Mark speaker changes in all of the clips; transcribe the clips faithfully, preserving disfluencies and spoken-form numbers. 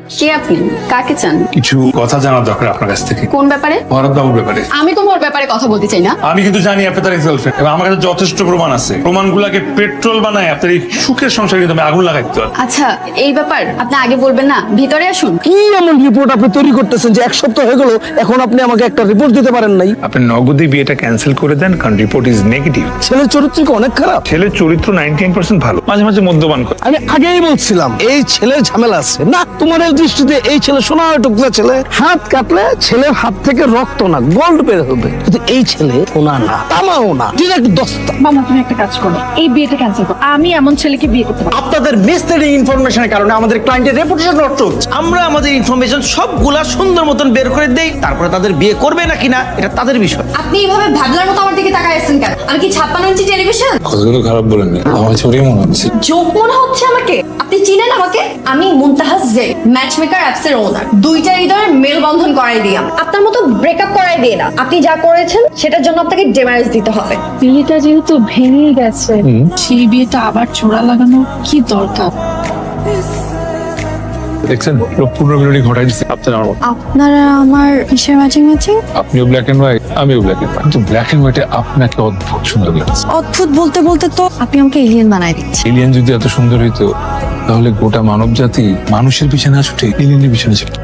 Speaker 1: কে আপনি? কাকে চান?
Speaker 2: কিছু কথা জানার দরকার আপনার কাছ থেকে।
Speaker 1: কোন ব্যাপারে?
Speaker 2: ভরত বাবুর ব্যাপারে।
Speaker 1: আমি তোমার ব্যাপারে কথা বলতে চাই না।
Speaker 2: আমি কিন্তু জানি আপনি তার গার্লফ্রেন্ড এবং আমার কাছে যথেষ্ট প্রমাণ আছে। প্রমাণগুলোকে পেট্রোল বানায় আপনার এই সুখের সংসারে কিন্তু আমি আগুন লাগাইতে পারি।
Speaker 1: আচ্ছা, এই ব্যাপার আপনি আগে বলবেন না, ভিতরে আসুন।
Speaker 3: কি এমন রিপোর্ট আপনি তৈরি করতেছেন যে এক সপ্তাহ হয়ে গেল এখন আপনি আমাকে একটা রিপোর্ট দিতে পারেন নাই?
Speaker 2: আপনি নগদে বিয়েটা ক্যান্সেল করে দেন, কারণ রিপোর্ট ইজ নেগেটিভ।
Speaker 3: ছেলের চরিত্র কি অনেক খারাপ?
Speaker 2: ছেলের চরিত্র নাইনটি নাইন পার্সেন্ট ভালো, মাঝে মাঝে মদ্যপান করে।
Speaker 3: আমি আগেই বলছিলাম এই ছেলের ঝামেলা আছে। না, তোমার এই দৃষ্টিতে এই ছেলে সোনার টুকরা ছেলে, হাত কাটলে ছেলের হাত থেকে রক্ত না গোল্ড বের হবে, কিন্তু এই ছেলে সোনা না তামাও না, ডিরেক্ট দস্তা।
Speaker 4: মামা তুমি একটা কাজ করো, এই বিয়েটা ক্যান্সেল করো। আমি এমন ছেলেকে বিয়ে করতে পারি।
Speaker 5: আপনাদের মিসলিডিং ইনফরমেশনের কারণে আমাদের ক্লায়েন্টের রেপুটেশন নষ্ট হচ্ছে। আমরা আমাদের ইনফরমেশন সবগুলা সুন্দর মতন বের করে দেই, তারপরে তাদের বিয়ে করবে না কিনা এটা তাদের বিষয়।
Speaker 1: আপনি এইভাবে ভাবলার মতো আমার দিকে তাকায় আছেন কেন? আমি কি ছাপ্পান্ন ইঞ্চি টেলিভিশন?
Speaker 2: কথাগুলো খারাপ বলেন না, আমার চোরই মনে হচ্ছে।
Speaker 1: জোক মনে হচ্ছে আমাকে? আপনি চিনেন আমাকে? আমি মুনতাহাস জে, ম্যাচমেকার অ্যাপস এর ওনার। দুইটা হৃদয়ের মেলবন্ধন করাই দিই আমি। আপনার মতো ব্রেকআপ করাই দিই না। আপনি যা করেছেন সেটার জন্য আপনাকে ডেমারেজ দিতে হবে।
Speaker 4: বিয়েটা যেহেতু ভেঙে গেছে, সেই বিয়েটা আবার জোড়া লাগানো কি দরকার?
Speaker 2: দেখছেন, লোক পুনর্মিলনী ঘটাই দিচ্ছে আপনার আমার মতো।
Speaker 1: আপনারা আমার কিসের ম্যাচিং ম্যাচিং?
Speaker 2: আপনিও ব্ল্যাক এন্ড হোয়াইট, আমিও ব্ল্যাক এন্ড হোয়াইট, কিন্তু ব্ল্যাক এন্ড হোয়াইটে আপনাকে অদ্ভুত সুন্দর লাগছে।
Speaker 1: অদ্ভুত বলতে বলতে তো আপনি আমাকে এলিয়েন বানাই দিচ্ছেন।
Speaker 2: এলিয়েন যদি এত সুন্দর হইতো তাহলে গোটা মানব জাতি মানুষের পিছনে না ছুটে এলিয়েনের পিছনে ছুটে।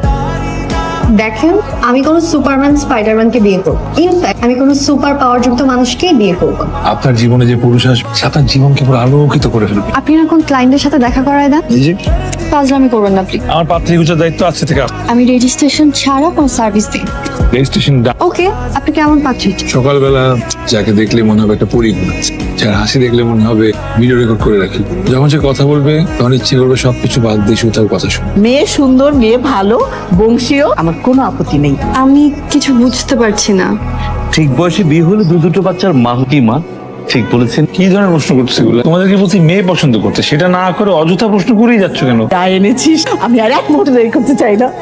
Speaker 1: দেখেন, আমি কোনো সুপারম্যান স্পাইডারম্যানকে বিয়ে করব। ইনফ্যাক্ট আমি কোনো সুপার পাওয়ার যুক্ত মানুষকেই বিয়ে করব।
Speaker 2: আপনার জীবনে যে পুরুষ আসবে সে আপনার জীবনকে পুরো আলোকিত করে ফেলবে।
Speaker 1: আপনি এখন ক্লায়েন্টের সাথে দেখা করায় দেন।
Speaker 2: এই যে
Speaker 1: কাজলামি করবেন না প্লিজ।
Speaker 2: আমার পাত্রী গুজার দায়িত্ব আছে থেকে
Speaker 1: আমি রেজিস্ট্রেশন ছাড়া কোনো সার্ভিস দিই।
Speaker 2: রেজিস্ট্রেশন।
Speaker 1: ওকে, আপনি কেমন পাচ্ছেন?
Speaker 2: সকালবেলা যাকে দেখলে মনে হবে একটা পরী ঘুমাচ্ছে, যার হাসি দেখলে মনে হবে ভিডিও রেকর্ড করে রাখি। যখন সে কথা বলবে তখন ইচ্ছে করবে সবকিছু বাদ দিয়ে শুধু তার কথা শুনে।
Speaker 6: মেয়ে সুন্দর, মেয়ে ভালো, বংশীয়, আমার কোনো আপত্তি নেই।
Speaker 1: আমি কিছু বুঝতে পারছি না।
Speaker 7: ঠিক বয়সে বিয়ে হলে দু দুটো বাচ্চার মা কি মা? ঠিক বলেছেন।
Speaker 2: কি ধরনের প্রশ্ন করতেছে এগুলো? তোমাদেরকে বলছি মেয়ে পছন্দ করতে, সেটা না করে অযথা প্রশ্ন করেই যাচ্ছ কেন?
Speaker 6: যা এনেছিস আমি আর এক মুহূর্তে দেরি করতে চাই না।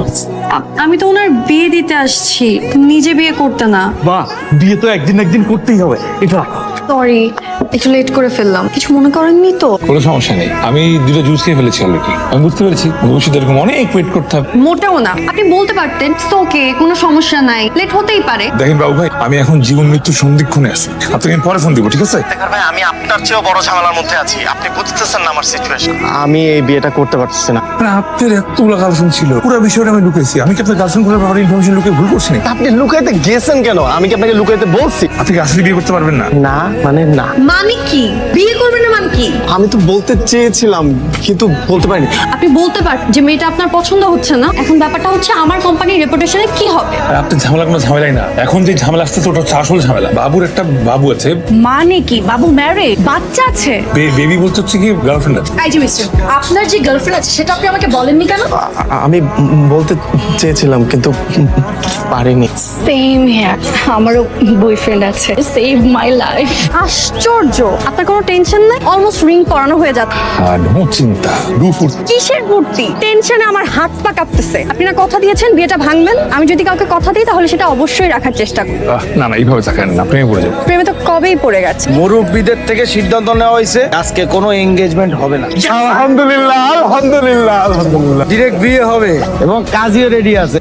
Speaker 1: আমি তো ওনার বিয়ে দিতে আসছি, নিজে বিয়ে করতে না।
Speaker 7: মা, বিয়ে তো একদিন একদিন করতেই হবে। এটা
Speaker 1: সরি, একটু লেট করে ফেললাম। কিছু মনে করেননি তো?
Speaker 2: কোনো সমস্যা নেই, আমি দুটো জুস খেয়ে ফেলেছি অলরেডি। আমি বুঝতে পেরেছি ভবিষ্যতে এরকম অনেক ওয়েট করতে হবে।
Speaker 1: মোটেও না, আপনি বলতে পারতেন ওকে, কোনো সমস্যা নাই, লেট হতেই পারে।
Speaker 2: দেখেন বাবু ভাই, আমি এখন জীবন মৃত্যুর সন্ধিক্ষণে আছি। আপনাকে আমি পরে ফোন দিব, ঠিক আছে?
Speaker 5: দেখেন ভাই, আমি আপনার চেয়েও বড় ঝামেলার মধ্যে আছি। আপনি বুঝতেছেন না আমার সিচুয়েশন। আমি এই বিয়েটা করতে পারতেছি না।
Speaker 2: মানে আপনার এতগুলো গার্লফ্রেন্ড ছিল, পুরো বিষয়টা আমি লুকেছি। আমি কি আপনার গার্লফ্রেন্ড গুলোর ব্যাপারে ইনফরমেশন লুকিয়ে ভুল করছি না?
Speaker 5: আপনি লুকাইতে গেছেন কেন? আমি কি আপনাকে লুকাইতে বলছি?
Speaker 2: আপনি কি আসলে বিয়ে করতে পারবেন না?
Speaker 5: না মানে না।
Speaker 1: মানে কি? বিয়ে করবেন না মানে কি?
Speaker 5: আমি তো বলতে চেয়েছিলাম কিন্তু বলতে পারিনি।
Speaker 1: আপনি বলতে পারেন যে মেয়েটা আপনার পছন্দ হচ্ছে না। এখন ব্যাপারটা হচ্ছে আমার কোম্পানির রেপুটেশনে কি হবে।
Speaker 2: আর আপনার ঝামেলা কোনো ঝামেলাই না। এখন যে ঝামেলা আসতেছে ওটা হচ্ছে আসল ঝামেলা। বাবুর একটা বাবু আছে।
Speaker 4: মানে কি? বাবু ম্যারেড, বাচ্চা আছে।
Speaker 2: বেবি বলতে হচ্ছে কি গার্লফ্রেন্ড আছে।
Speaker 4: এই যে মিস্টার, আপনার যে গার্লফ্রেন্ড আছে সেটা আপনি আমাকে বলেননি কেন?
Speaker 5: আ- আমি বলতে চেয়েছিলাম কিন্তু পারিনি।
Speaker 4: সেম হিয়ার, আমারও বয়ফ্রেন্ড আছে। Save my life.
Speaker 1: আশ্চর্য, আপনার কোনো টেনশন নাই? অলমোস্ট রিং পরানো হয়ে যাচ্ছে।
Speaker 2: আর নো চিন্তা, ডু ফুট।
Speaker 1: কিসের ভর্তি? টেনশনে আমার হাত পা কাঁপতেছে। আপনি না কথা দিয়েছেন বিয়েটা ভাঙবেন। আমি যদি কাউকে কথা দিই তাহলে সেটা অবশ্যই রাখার চেষ্টা করব।
Speaker 2: না না, এইভাবে তাকান না, প্রেমে পড়ে যাবো।
Speaker 1: প্রেমে তো কবেই পড়ে গেছে।
Speaker 5: মুরব্বীদের থেকে সিদ্ধান্ত নেওয়া হয়েছে আজকে কোনো এঙ্গেজমেন্ট হবে না।
Speaker 3: আলহামদুলিল্লাহ, আলহামদুলিল্লাহ, আলহামদুলিল্লাহ।
Speaker 5: ডিরেক্ট বিয়ে হবে এবং কাজীও রেডি আছে।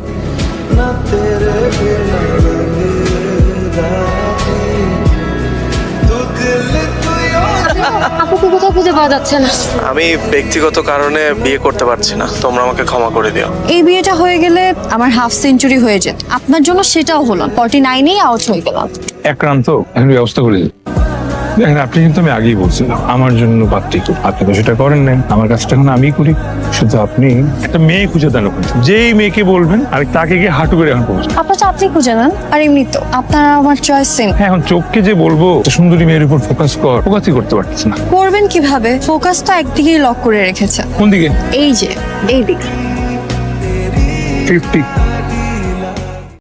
Speaker 1: আপুকে কোথাও খুঁজে পাওয়া যাচ্ছে না।
Speaker 5: আমি ব্যক্তিগত কারণে বিয়ে করতে পারছি না, তোমরা আমাকে ক্ষমা করে দিও।
Speaker 1: এই বিয়েটা হয়ে গেলে আমার হাফ সেঞ্চুরি হয়ে যেত। আপনার জন্য সেটাও হলো। ফর্টি নাইনেই আউট হয়ে গেলাম।
Speaker 2: একান্ত এখন ব্যবস্থা করে দিই। দেখেন, আপনি কিন্তু আমি আগেই বলছিলাম আমার জন্য পাত্রী খুব। আপনি তো সেটা করেন নাই, আমার কাজটা এখন আমি করি। শুধু আপনি একটা মেয়ে খুঁজে দেন ওখানে, যেই মেয়েকে বলবেন আর তাকে গিয়ে হাঁটু করে এখন পৌঁছে।
Speaker 1: আপনার তো আপনি খুঁজে নেন। আর এমনি তো আপনার আমার চয়েস সেম।
Speaker 2: হ্যাঁ, এখন চোখকে যে বলবো একটা সুন্দরী মেয়ের উপর ফোকাস কর, ফোকাসই করতে পারছিস না।
Speaker 1: করবেন কিভাবে? ফোকাস তো একদিকেই লক করে রেখেছে।
Speaker 2: কোন দিকে?
Speaker 1: এই যে এই দিক।
Speaker 2: ফিফটি